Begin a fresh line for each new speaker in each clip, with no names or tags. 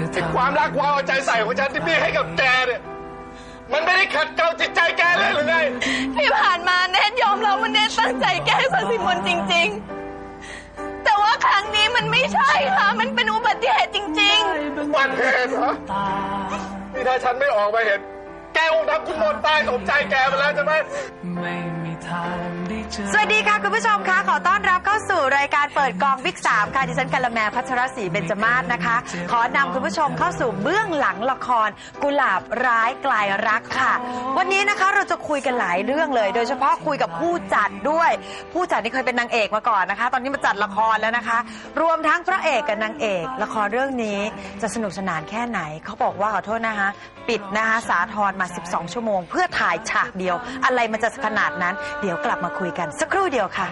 ความรักความเอาใจใส่ของฉันที่พี่ให้กับแกเนี่ยมันไม่ได้ขัดเกลาจิตใจแกเลยหรือไง
ที่ผ่านมาเนทยอมรับว่าเนทตั้งใจแก้ศศิมนจริงๆแต่ว่าครั้งนี้มันไม่ใช่ค่ะมันเป็นอุบัติเหตุจริงๆ
อุบัติเหตุเหรอนี่ถ้าฉันไม่ออกมาเห็นแกคงทำคุณมนตายสมใจแกไปแล้วใช่ไหม
สวัสดีค่ะคุณผู้ชมคะขอต้อนรับเข้าสู่รายการเปิดกองวิก3ค่ะดิฉันกัลแมพัชรศรีเบญจมาศนะคะขอนำคุณผู้ชมเข้าสู่เบื้องหลังละครกุหลาบร้ายกลายรักค่ะวันนี้นะคะเราจะคุยกันหลายเรื่องเลยโดยเฉพาะคุยกับผู้จัดด้วยผู้จัดนี่เคยเป็นนางเอกมาก่อนนะคะตอนนี้มาจัดละครแล้วนะคะรวมทั้งพระเอกกับนางเอกละครเรื่องนี้จะสนุกสนานแค่ไหนเขาบอกว่าขอโทษนะคะปิดนะคะสาธรมา12ชั่วโมงเพื่อถ่ายฉากเดียวอะไรมันจะขนาดนั้นเดี๋ยวกลับมาคุยกันสักครู่เดียวค่ะ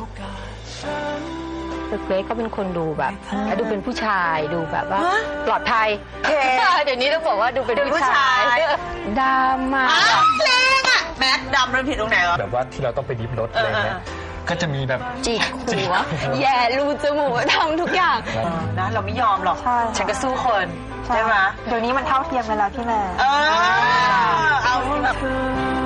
คือเกรซก็เป็นคนดูแบบดูเป็นผู้ชายดูแบบว่าปลอดภัยเดี๋ยวนี้ต้องบอกว่าดูเป็นผู้ชายดำมา
แรงอ่ะแม็กดำมันผิดตรงไหนวะ
แบบว่าที่เราต้องไปดิฟรถอะไรเงี้ยก็จะมีแบบ
จิกหัวแย่รูจมูกทำทุกอย่าง
นะเราไม่ยอมหรอกฉันก็สู้คนใช่ไหม
เดี๋ยวนี้มันเท่าเทียมกันแล้วพี่แม่
เอาแบบ